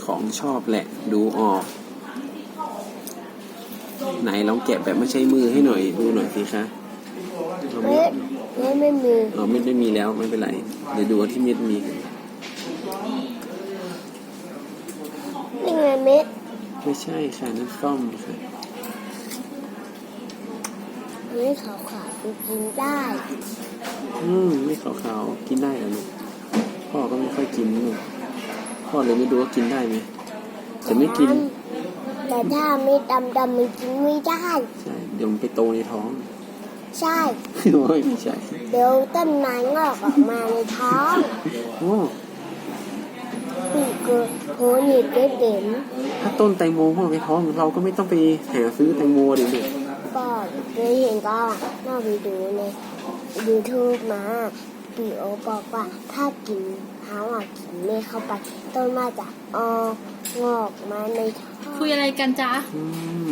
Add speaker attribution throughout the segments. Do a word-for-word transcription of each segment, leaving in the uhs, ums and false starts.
Speaker 1: ของชอบแหละดูออกไหนลองแกะแบบไม่ใช้มือให้หน่อยดูหน่อยสิคะ
Speaker 2: เม็ดเม็ดไม่มี
Speaker 1: อ๋อเม็ดไม่มีแล้วไม่เป็นไรเดี๋ยวดูที่เม็ดมี
Speaker 2: นี่ไงเม็ด
Speaker 1: ไม่ใช่ค่ะนั่นส้มค่ะ
Speaker 2: เม็ดขาวๆกินได้
Speaker 1: อืมไม่ขาวๆกินได้เหรอลูกพ่อก็ไม่ค่อยกินลูกพ่อเลยไม่รู้ว่ากินได้ไหมแต่ไม่กิน
Speaker 2: แต่ถ้าไม่ดำดำมันกินไม่ได้
Speaker 1: ใช่เดี๋ยวมันไปโตในท้อง
Speaker 2: ใช่
Speaker 1: โอ้ยไม่ใช่
Speaker 2: เดี๋ยวต้นไม้งอกออกมาในท้อง
Speaker 1: โอ้
Speaker 2: ปีกก็โผล่หนีบได้เด่น
Speaker 1: ถ้าต้นแตงโมงอกในท้องเราก็ไม่ต้องไปหาซื้อแตงโมดิลูก
Speaker 2: ก็เคยเห็นก็น่าไปดูในยูทูบมาปีโอบอกว่าถ้ากินเท้าอ่ะกินไม่เข้าไปต้นไม้จะออกงอกมาในท้อง
Speaker 3: คุยอะไรกันจ๊ะ
Speaker 1: อืม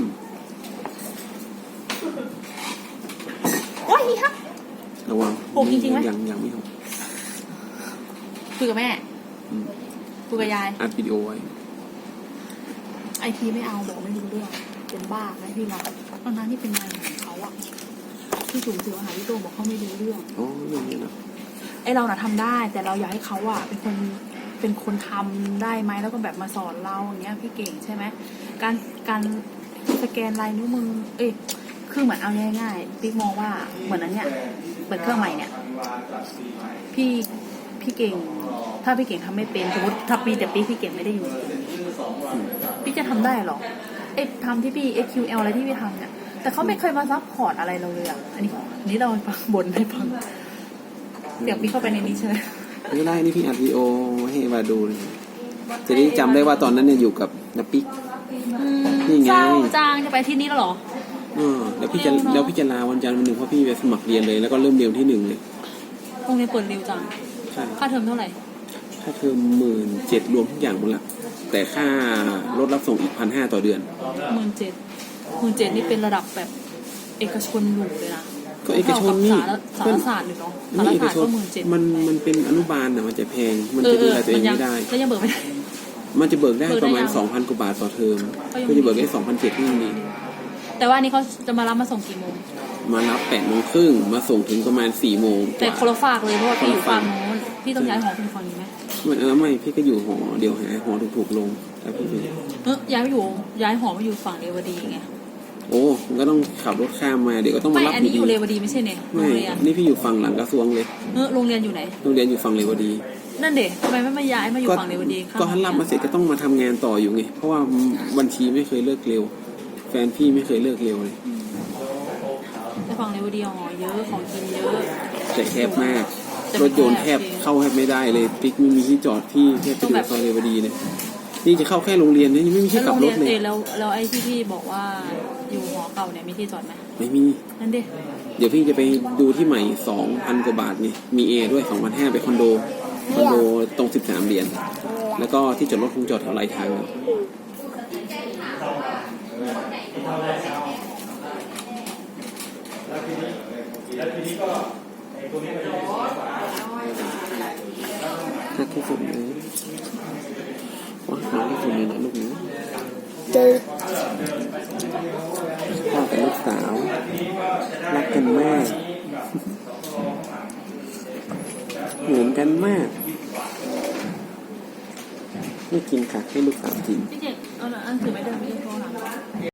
Speaker 3: โอ้ยฮะ
Speaker 1: ระวัง
Speaker 3: หกจริงๆไหม
Speaker 1: ยังยังไม่หก
Speaker 3: คุยกับแม่คุยกับยาย
Speaker 1: อัดวิดีโอไว้
Speaker 3: ไอทีไม่เอาบอกไม่รู้เรื่องเป็นบ้าไอพี่มาตอนนั้นที่เป็นงานของเขาอะที่สูงสื่อมหาวิทยาลัยบอกเขาไม่รู้เรื่อง
Speaker 1: อ๋อเรื่องนี้นะ
Speaker 3: ไอเราน่ะทำได้แต่เราอยากให้เขาอะเป็นคนเป็นคนทำได้ไหมแล้วก็แบบมาสอนเราอย่างเงี้ยพี่เก่งใช่ไหมการการสแกนลายนิ้วมือเอ้ยคือเหมือนเอาง่ายๆพี่มองว่าเหมือนนั้นเนี่ยเปิดเครื่องใหม่เนี่ยพี่พี่เก่งถ้าพี่เก่งทำไม่เป็นสมมติถ้าปีแต่ปีพี่เก่งไม่ได้อยู่พี่จะทำได้หรอเอ๊ะทำที่พี่ เอส คิว แอล อะไรที่พี่ทำเนี่ยแต่เขาไม่เคยมาซัพพอร์ตอะไรเราเลยอ่ะอันนี้นี่เราฟังบนให้ฟังเดี๋ยวพี่เข้าไปในนี้ใช่ไหม
Speaker 1: ไม่ได้นี่พี่อัดวิดีโอให้มาดูเลยจะได้จำได้ว่าตอนนั้นเนี่ยอยู่กับนับปิ๊กนี่ไง
Speaker 3: จางจะไปที่นี่แล้วหรอ
Speaker 1: เออแล้วพี่จะแล้วพี่จะลาวันจันทร์วันหนึ่งเพราะพี่ไปสมัครเรียนเลยแล้วก็เริ่มเรียนที่หนึ่งเลย
Speaker 3: โรงเรียนเปิดเร็วจังค่าเทอมเท่าไหร่
Speaker 1: ค่าเทอมหมื่นเจ็ดรวมทุกอย่างหมดละแต่ค่ารถรับส่งอีกพันห้าต่อเดือน
Speaker 3: หมื่นเจ็ดหมื่นเจ็ดนี่เป็นระดับแบบเอกชนหรูเลยนะ
Speaker 1: ก็เอกชนนี่
Speaker 3: สารศาสตร์หรือเนาะสารศาสตร์ก็หมื่นเจ็ด
Speaker 1: มันมันเป็นอนุบาลนะมันจะแพงมันจะดูแลตัวเองไม่ได้
Speaker 3: ก็ยังเบิกไม่ได้
Speaker 1: มันจะเบิกได้ประมาณสองพันกว่าบาทต่อเทอมก็จะเบิกได้สองพันเจ็ดนี่นี่
Speaker 3: แต่ว่านี่เขาจะมารับมาส่งกี่โมง
Speaker 1: มารับแปดโมงครึ่งมาส่งถึงประมาณสี่โมง
Speaker 3: แต่คนละฝากเลยเพราะว่าพี่อยู่ฝั่งโน้นพี่ต้องย้ายหอไปฝั่งนี้ไหม
Speaker 1: ไม่เออไม่พี่ก็อยู่หอเดี๋ยวหาหอถูกๆลงแล้วพี่
Speaker 3: เออย้ายไปอยู่ย้ายหอมาอยู่ฝั่งเรวดีไง
Speaker 1: โอ้มันก็ต้องขับรถข้ามมาเดี๋ยวก็ต้องมารับ
Speaker 3: ไม่อันนี้อยู่เรวดีไม่ใช่เนี่ย
Speaker 1: ไม่นี่พี่อยู่ฝั่งหลังกระทรวงเลย
Speaker 3: เออโรงเรียนอยู่ไหน
Speaker 1: โรงเรียนอยู่ฝั่งเรวดี
Speaker 3: นั่นเด็กทำไมไม่มาย้ายมาอยู่ฝั่งเรวดี
Speaker 1: ก็ฮันรับมาเสร็จก็ต้องมาทำงานต่ออยู่ไงเพราะว่าบัญชีไม่เคยเลิกเร็วแฟนพี่ไม่เคยเลิกเร็วเลย
Speaker 3: แต่ฝั่งเรวดีอ๋อเยอะของกินเยอะ
Speaker 1: แต่แคบมากรถยนต์แทบเข้าแทบไม่ได้เลยปิ๊กไม่มีที่จอดพี่แค่ไปดูซอยเรวดีเนี่ยนี่จะเข้าแค่โรงเรียนนี่ไม่มีที่กลับรถเลย
Speaker 3: แล้วแล้วไอ้ที่พี่บอกว่าอยู่หอเก่าเนี่ยมีที่จอดไหม
Speaker 1: ไม่มี
Speaker 3: นั่นดิ
Speaker 1: เดี๋ยวพี่จะไปดูที่ใหม่สองพันกว่าบาทนี่มีแอร์ด้วยสองพันห้าไปคอนโดคอนโดตรงสิบสามเหรียญแล้วก็ที่จอดรถคงจอดแถวไหลทางน่าที่สุดเลยว่าหาที่สุดเลยนะลูกนี้พ่อกับลูกสาวรักกันมากเหมือนกันมากไม่กินค่ะให้ลูกสาวกิน
Speaker 3: พี่เจ็ดเอาละอันถือไม่ได้ไม่ได้โทรหลัง